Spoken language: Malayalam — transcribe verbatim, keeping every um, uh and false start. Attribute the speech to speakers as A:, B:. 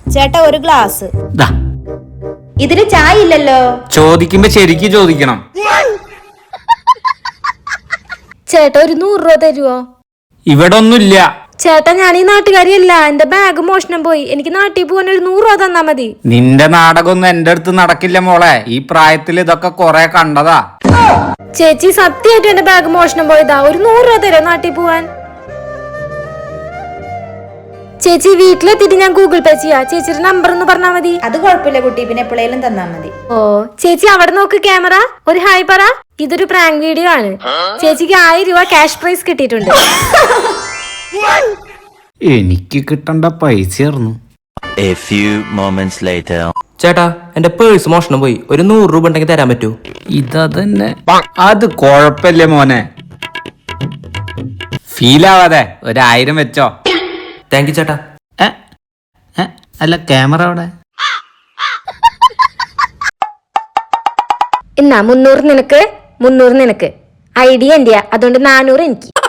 A: ചേട്ടാ ഒരു ഗ്ലാസ്.
B: ഇതിന് ചായ ഇല്ലല്ലോ.
C: ചോദിക്കുമ്പോ ശരിക്ക് ചോദിക്കണം.
A: ചേട്ടാ ഒരു നൂറ് രൂപ തരുവോ?
C: ഇവിടെ ഒന്നുമില്ല
A: ചേട്ടാ. ഞാൻ ഈ നാട്ടുകാരിയല്ല, എന്റെ ബാഗ് മോഷണം പോയി. എനിക്ക് നാട്ടിൽ പോകാൻ ഒരു നൂറ് രൂപ തന്നാ മതി.
C: നിന്റെ നാടകമൊന്നും എന്റെ അടുത്ത് നടക്കില്ല മോളെ. ഈ പ്രായത്തിൽ ഇതൊക്കെ കൊറേ കണ്ടതാ.
A: ചേച്ചി സത്യമായിട്ടും എന്റെ ബാഗ് മോഷണം പോയതാ. ഒരു നൂറ് രൂപ തരോ നാട്ടിൽ പോവാൻ? ചേച്ചി വീട്ടിലെത്തിയിട്ട് ഞാൻ ഗൂഗിൾ പേ ചെയ്യാ. ചേച്ചിയുടെ നമ്പർ ഒന്ന് പറഞ്ഞാ മതി.
B: അത് കുഴപ്പമില്ല കുട്ടി, പിന്നെ എപ്പോഴേലും തന്നാ മതി.
A: ഓ ചേച്ചി അവിടെ നോക്ക് ക്യാമറ. ഒരു ഹായ് പറ. ഇതൊരു പ്രാങ്ക് വീഡിയോ ആണ്. ചേച്ചിക്ക് ആയിരം രൂപ ക്യാഷ് പ്രൈസ് കിട്ടിയിട്ടുണ്ട്.
C: എനിക്ക് കിട്ടണ്ട പൈസയായിരുന്നു.
D: ചേട്ടാ എന്റെ പേഴ്സ് മോഷണം പോയി. ഒരു നൂറ് രൂപ ഉണ്ടെങ്കിൽ തരാൻ പറ്റൂ?
C: ഇതന്നെ. അത് കൊഴപ്പല്ലേ മോനെ, ഫീലാവാതെ ഒരായിരം വെച്ചോ.
D: താങ്ക് യു ചേട്ടാ.
C: അല്ല ക്യാമറ അവിടെ.
A: എന്നാ മുന്നൂറ് നിനക്ക്, മുന്നൂറ് നിനക്ക്. ഐഡിയ എന്റെയാ, അതുകൊണ്ട് നാനൂറ് എനിക്ക്.